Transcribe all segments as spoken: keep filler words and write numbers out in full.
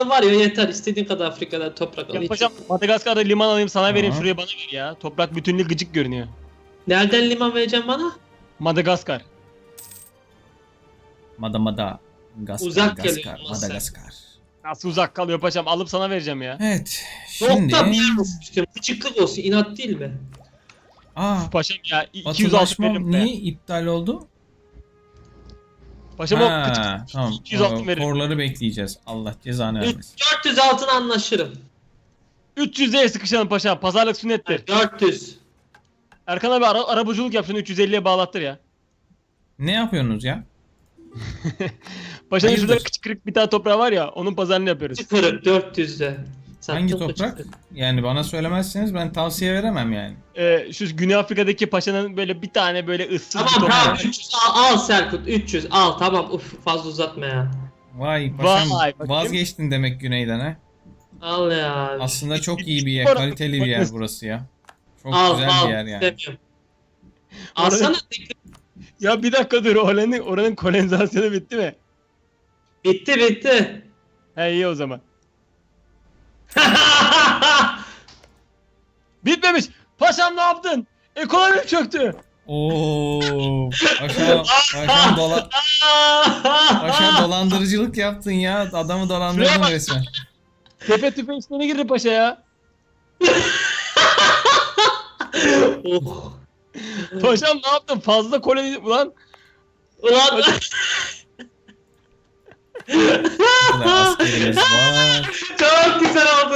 var ya yeter. İstediğin kadar Afrika'da toprak al. Yapacağım. Madagaskar'da liman alayım sana vereyim. Aha. Şuraya bana ver ya. Toprak bütünlüğü gıcık görünüyor. Nereden liman vereceğim bana? Madagaskar. Mada mada. Gaskar, Uzak Gaskar, geliyor ama sen. Madagaskar. Nasıl uzak kalıyor paşam? Alıp sana vereceğim ya. Evet. Şimdi... Nokta bir yer olsun istiyorum. Küçüklük olsun. İnat değil mi? Aa, Paşam ya iki yüz altı hatırlaşmam veririm be. niye iptal oldu? Paşam o Ha, küçük tamam. iki yüz altı O veririm. Korları bekleyeceğiz. Allah cezanı vermesin. dört yüz altına anlaşırım. üç yüz'e sıkışalım paşam. Pazarlık sünnettir. dört yüz. Erkan abi ara, arabacılık yap şunu üç yüz elliye bağlattır ya. Ne yapıyorsunuz ya? Paşamın şurada Hayırdır? küçük kırık bir tane toprağı var ya onun pazarını yapıyoruz. Çıkarıp dört yüz'de. Hangi toprak? Yani bana söylemezseniz ben tavsiye veremem yani. Ee, şu Güney Afrika'daki paşanın böyle bir tane böyle ıssız bir Tamam toprağı tamam var. üç yüz al, al Serkut üç yüz al tamam uf fazla uzatma ya. Vay paşam Vay, bakayım. vazgeçtin demek güneyden ha. Al ya. Aslında çok iyi bir yer, Orası- kaliteli bir yer burası ya. Çok al güzel al bir yer yani. istemiyorum. Alsana Ya bir dakika dur oranın, oranın kolonizasyonu bitti mi? bitti bitti. He iyi o zaman. Bitmemiş. Paşam ne yaptın? Ekonomi çöktü. Oo, paşam, paşam, dola, paşam dolandırıcılık yaptın ya. Adamı Şuraya dolandırdın bak. resmen. Tepe tüfe işlerine girdi paşa ya. oh. Paşam ne yaptın? Fazla koloni... Ulan Ulan Bu da askerimiz var. çok güzel oldu.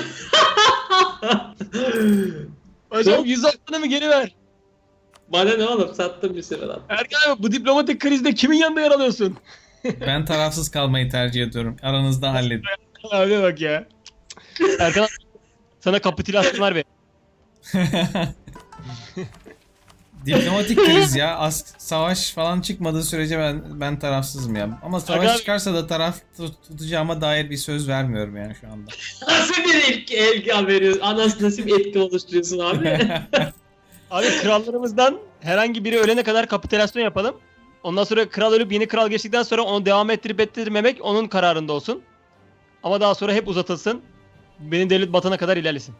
paşam yüz altını mı geri ver? Bana ne oğlum sattım bir sefer abi. Erkan abi bu diplomatik krizde kimin yanında yer alıyorsun? Ben tarafsız kalmayı tercih ediyorum. Aranızda halledin. Abi bak ya. Erkan abi sana kapitülasyon var be. Diplomatik kriz ya. As savaş falan çıkmadığı sürece ben ben tarafsızım ya. Ama savaş Aga- çıkarsa da taraf tut- tutacağıma dair bir söz vermiyorum yani şu anda. Nasıl bir ilk elgi veriyorsun? Anası nasıl bir etki oluşturuyorsun abi? Abi krallarımızdan herhangi biri ölene kadar kapitülasyon yapalım. Ondan sonra kral ölüp yeni kral geçtikten sonra onu devam ettirip ettirmemek onun kararında olsun. Ama daha sonra hep uzatılsın. Benim devlet batana kadar ilerlesin.